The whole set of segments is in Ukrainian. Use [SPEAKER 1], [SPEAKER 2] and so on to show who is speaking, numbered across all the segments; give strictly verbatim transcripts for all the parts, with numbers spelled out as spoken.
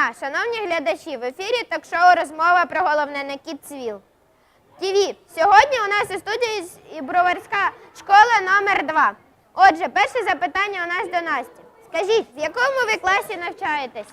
[SPEAKER 1] дня, шановні глядачі! В ефірі ток-шоу «Розмова про головне» на Kidsville ті ві. Сьогодні у нас у студії Броварська школа номер два. Отже, перше запитання у нас до Насті. Скажіть, в якому ви класі навчаєтесь?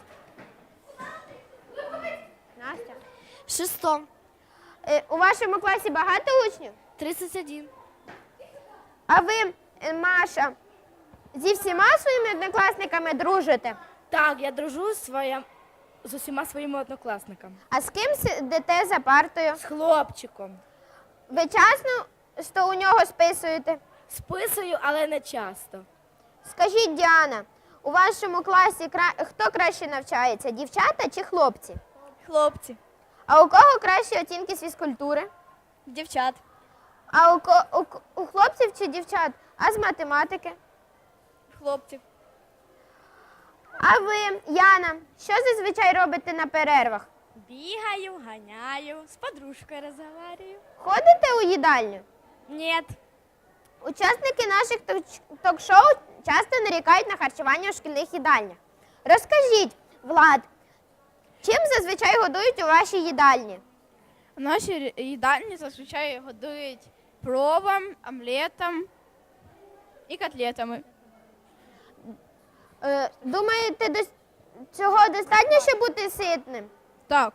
[SPEAKER 1] Настя?
[SPEAKER 2] В шестом.
[SPEAKER 1] Е, у вашому класі багато учнів?
[SPEAKER 2] тридцать один.
[SPEAKER 1] А ви, е, Маша, зі всіма своїми однокласниками дружите?
[SPEAKER 2] Так, я дружу з, своя... з усіма своїми однокласниками.
[SPEAKER 1] А з ким сидите за партою?
[SPEAKER 2] З хлопчиком.
[SPEAKER 1] Ви часто у нього списуєте?
[SPEAKER 2] Списую, але не часто.
[SPEAKER 1] Скажіть, Діана, у вашому класі кра... хто краще навчається, дівчата чи хлопці?
[SPEAKER 2] Хлопці.
[SPEAKER 1] А у кого кращі оцінки з фізкультури?
[SPEAKER 2] Дівчат.
[SPEAKER 1] А у, ко... у... у хлопців чи дівчат? А з математики?
[SPEAKER 2] Хлопців.
[SPEAKER 1] А ви, Яна, що зазвичай робите на перервах?
[SPEAKER 2] Бігаю, ганяю, з подружкою розмовляю.
[SPEAKER 1] Ходите у їдальню?
[SPEAKER 2] Ні.
[SPEAKER 1] Учасники наших ток-шоу часто нарікають на харчування у шкільних їдальнях. Розкажіть, Влад, чим зазвичай годують у вашій їдальні?
[SPEAKER 3] В нашій їдальні зазвичай годують пловом, омлетом і котлетами.
[SPEAKER 1] Е, думаєте, до цього достатньо, щоб бути ситним?
[SPEAKER 3] Так.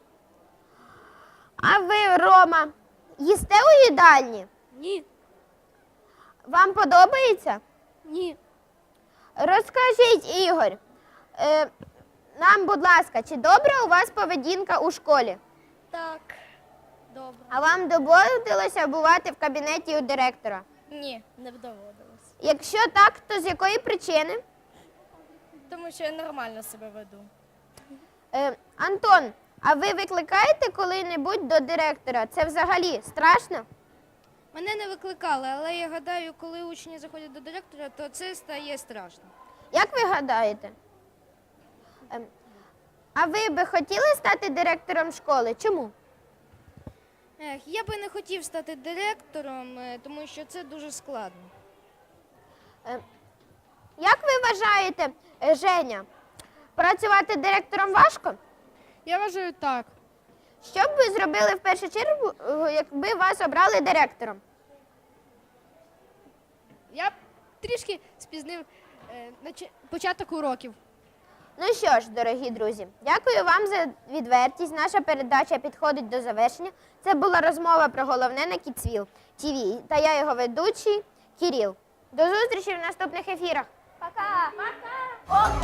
[SPEAKER 1] А ви, Рома, їсте у їдальні?
[SPEAKER 2] Ні.
[SPEAKER 1] Вам подобається?
[SPEAKER 2] Ні.
[SPEAKER 1] Розкажіть, Ігор, е, нам, будь ласка, чи добра у вас поведінка у школі?
[SPEAKER 2] Так. Добре.
[SPEAKER 1] А вам доводилося бувати в кабінеті у директора?
[SPEAKER 2] Ні, не доводилось.
[SPEAKER 1] Якщо так, то з якої причини?
[SPEAKER 2] Тому що я нормально себе веду.
[SPEAKER 1] Е, Антон, а ви викликаєте коли-небудь до директора? Це взагалі страшно?
[SPEAKER 4] Мене не викликали, але я гадаю, коли учні заходять до директора, то це стає страшно.
[SPEAKER 1] Як ви гадаєте? Е, а ви би хотіли стати директором школи? Чому?
[SPEAKER 4] Ех, я би не хотів стати директором, е, тому що це дуже складно.
[SPEAKER 1] Е, як ви вважаєте, е, Женя, працювати директором важко?
[SPEAKER 3] Я вважаю так.
[SPEAKER 1] Що б ви зробили в першу чергу, е, якби вас обрали директором?
[SPEAKER 4] Я б трішки спізнив е, нач- початок уроків.
[SPEAKER 1] Ну що ж, дорогі друзі, дякую вам за відвертість. Наша передача підходить до завершення. Це була розмова про головне на Kidsville ті ві. Та я його ведучий Кирил. До зустрічі в наступних ефірах. Пока! Пока!